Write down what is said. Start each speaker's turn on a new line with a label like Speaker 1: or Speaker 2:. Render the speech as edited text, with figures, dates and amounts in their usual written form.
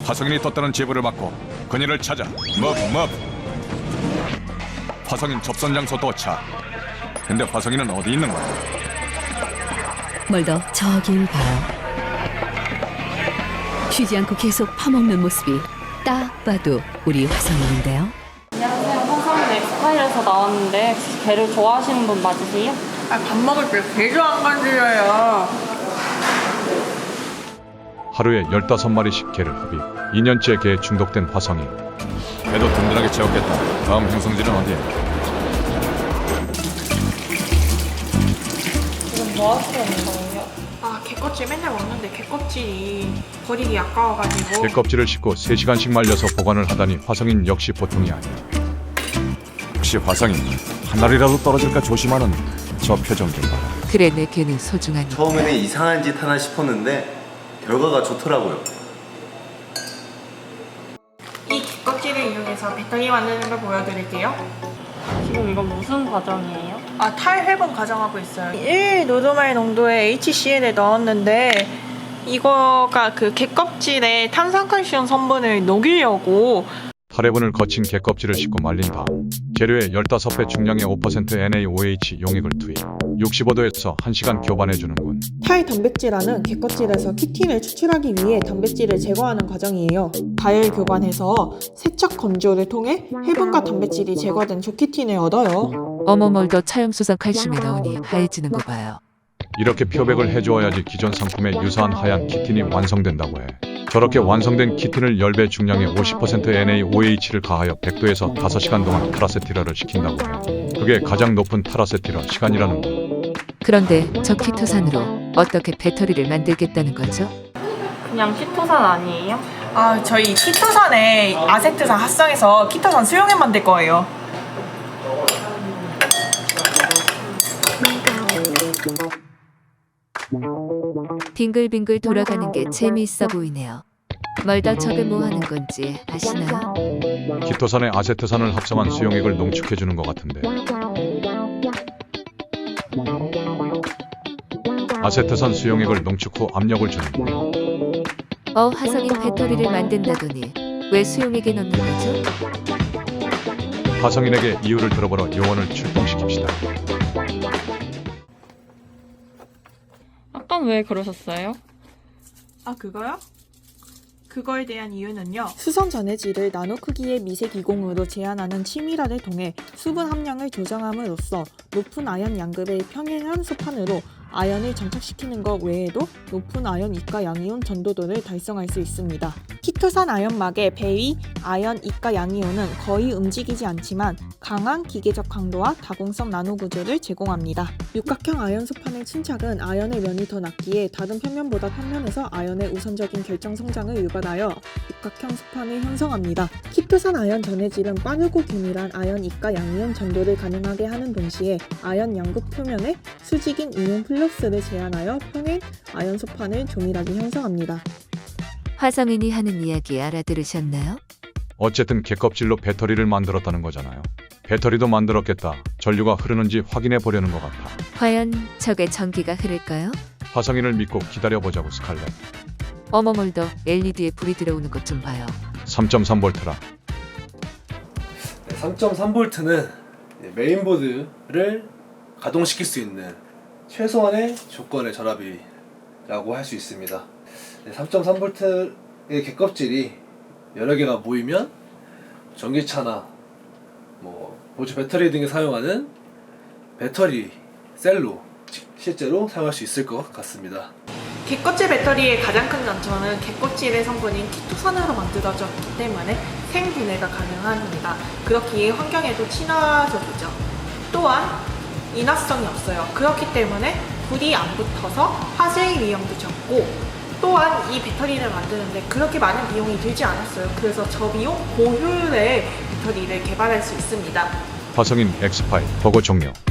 Speaker 1: 화성인이 떴다는 제보를 받고 그녀를 찾아 화성인 접선 장소 도착. 근데 화성인은 어디 있는 거야?
Speaker 2: 멀더 저길 봐요. 쉬지 않고 계속 파먹는 모습이 딱 봐도 우리 화성인인데요.
Speaker 3: 안녕하세요. 화성인 엑스파일에서 나왔는데 혹시 게를 좋아하시는 분 맞으세요?
Speaker 4: 밥 먹을 때 개조 안 건드려요.
Speaker 5: 하루에 15마리씩 개를 흡입. 2년째 개에 중독된 화성인.
Speaker 1: 배도 든든하게 채웠겠다. 다음 행성지는 어디야?
Speaker 3: 지금 뭐 하시는 거예요?
Speaker 4: 개껍질 맨날 먹는데 개껍질이 버리기 아까워가지고.
Speaker 5: 개 껍질을 씻고 3시간씩 말려서 보관을 하다니 화성인 역시 보통이 아니야.
Speaker 1: 혹시 화성인 한 알이라도 떨어질까 조심하는 저 표정 좀 봐라.
Speaker 6: 그래 내 개는 소중하니.
Speaker 7: 처음에는 이상한 짓 하나 싶었는데 결과가 좋더라고요.
Speaker 4: 이 개껍질을 이용해서 배터리 만드는 걸 보여드릴게요.
Speaker 3: 지금 이건 무슨 과정이에요?
Speaker 4: 탈회분 과정하고 있어요. 1노르말 농도의 HCl을 넣었는데 이거가 그 개껍질에 탄산칼슘 성분을 녹이려고.
Speaker 5: 탈해분을 거친 개 껍질을 씻고 말린 다음 재료에 15배 중량의 5% NaOH 용액을 투입. 65도에서 1시간 교반해주는군.
Speaker 8: 탈 단백질화는 개껍질에서 키틴을 추출하기 위해 단백질을 제거하는 과정이에요. 가열 교반해서 세척 건조를 통해 해분과 단백질이 제거된 조키틴을 얻어요.
Speaker 6: 어머 멀더 차염수산 칼슘이 나오니 하얘지는 거 봐요.
Speaker 5: 이렇게 표백을 해주어야지 기존 상품에 유사한 하얀 키틴이 완성된다고 해. 저렇게 완성된 키틴을 10배 중량의 50% NaOH를 가하여 100도에서 5시간 동안 탈아세틸화를 시킨다고 해. 그게 가장 높은 탈아세틸화 시간이라는 거.
Speaker 6: 그런데 저 키토산으로 어떻게 배터리를 만들겠다는 거죠?
Speaker 3: 그냥 키토산 아니에요?
Speaker 4: 저희 키토산에 아세트산 합성해서 키토산 수용액 만들 거예요.
Speaker 6: 빙글빙글 돌아가는 게 재미있어 보이네요. 멀더 저게 뭐 하는 건지 아시나요?
Speaker 5: 키토산에 아세트산을 합성한 수용액을 농축해주는 것 같은데. 아세트산 수용액을 농축 후 압력을 주는 거.
Speaker 6: 화성인 배터리를 만든다더니 왜 수용액에 넣는 거죠?
Speaker 5: 화성인에게 이유를 들어보러 요원을 출동시킵시다.
Speaker 3: 아까 왜 그러셨어요?
Speaker 4: 그거요? 그거에 대한 이유는요.
Speaker 8: 수성 전해질을 나노 크기의 미세 기공으로 제한하는 치밀화를 통해 수분 함량을 조정함으로써 높은 아연 양극의 평행한 소판으로 아연을 정착시키는 것 외에도 높은 아연 이가 양이온 전도도를 달성할 수 있습니다. 키토산 아연막의 배위 아연 이가 양이온은 거의 움직이지 않지만 강한 기계적 강도와 다공성 나노 구조를 제공합니다. 육각형 아연 소판의 침착은 아연의 면이 더 낮기에 다른 평면보다 평면에서 아연의 우선적인 결정 성장을 유발하여 육각형 소판을 형성합니다. 키토산 아연 전해질은 빠르고 균일한 아연 이가 양이온 전도를 가능하게 하는 동시에 아연 양극 표면에 수직인 이온 플러스를 제한하여 평행 아연 소판을 조밀하게 형성합니다.
Speaker 6: 화성인이 하는 이야기 알아들으셨나요?
Speaker 5: 어쨌든 개껍질로 배터리를 만들었다는 거잖아요. 배터리도 만들었겠다. 전류가 흐르는지 확인해 보려는 것 같아.
Speaker 6: 과연 저게 전기가 흐를까요?
Speaker 5: 화성인을 믿고 기다려보자고 스칼렛.
Speaker 6: 어머 멀더 LED에 불이 들어오는 것 좀 봐요.
Speaker 5: 3.3V라.
Speaker 9: 3.3V는 메인보드를 가동시킬 수 있는 최소한의 조건의 전압이라고 할 수 있습니다. 3.3V의 개껍질이 여러 개가 모이면 전기차나 보조 배터리 등에 사용하는 배터리 셀로 실제로 사용할 수 있을 것 같습니다.
Speaker 4: 개껍질 배터리의 가장 큰 장점은 개껍질의 성분인 키토산으로 만들어졌기 때문에 생분해가 가능합니다. 그렇기에 환경에도 친화적이죠. 또한 인화성이 없어요. 그렇기 때문에 불이 안 붙어서 화재 위험도 적고, 또한 이 배터리를 만드는데 그렇게 많은 비용이 들지 않았어요. 그래서 저비용 고효율의 배터리를 개발할 수 있습니다.
Speaker 5: 화성인 엑스파일 보고 종료.